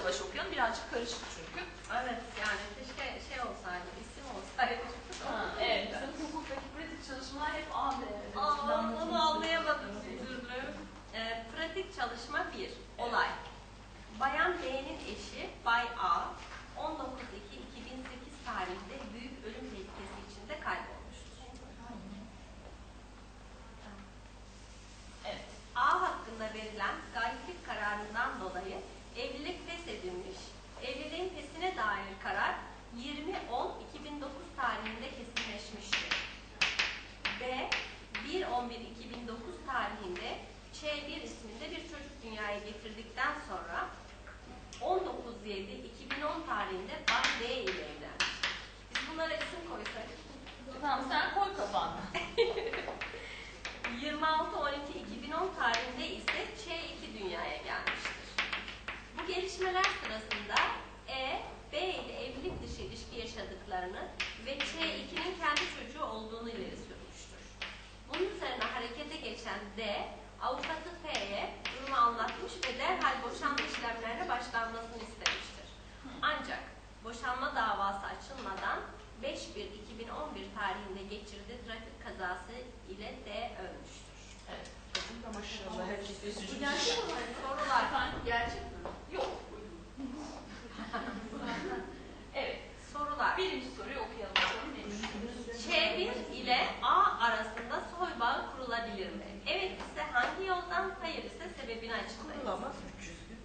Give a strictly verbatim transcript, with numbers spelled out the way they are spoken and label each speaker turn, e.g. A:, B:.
A: yavaş okuyalım. Birazcık karışık çünkü.
B: Evet, yani keşke şey olsaydı, isim olsaydı.
A: Ha, evet. Bizim hukuktaki pratik çalışmalar hep A B.
B: Aa, onu anlayamadım bir türlü. Ee, pratik çalışma bir. Olay. Bayan B'nin eşi Bay A, on dokuz Ekim iki bin sekiz tarihinde büyük ölüm tehlikesi içinde kaybolmuştur.
A: Evet.
B: A hakkında verilen gayiplik kararından dolayı evlilik feshedilmiş. Evliliğin feshine dair karar yirmi on iki bin dokuz tarihinde kesinleşmiştir. B, bir on bir iki bin dokuz tarihinde Ç bir isminde bir çocuk dünyaya getirdikten sonra on dokuz yedi iki bin on tarihinde Bay D ile evlenmiştir. Biz bunlara isim koysak.
A: Tamam, sen koy kafanda.
B: yirmi altı on iki iki bin on tarihinde ise Ç iki dünyaya gelmiştir. Bu gelişmeler sırasında E, B ile evlilik dışı ilişki yaşadıklarını ve Ç ikinin kendi çocuğu olduğunu ileri sürmüştür. Bunun üzerine harekete geçen D, avukatı F'ye durumu anlatmış ve derhal boşanma işlemlerine başlanmasını istemiştir. Ancak boşanma davası açılmadan beş bir iki bin on bir tarihinde geçirilen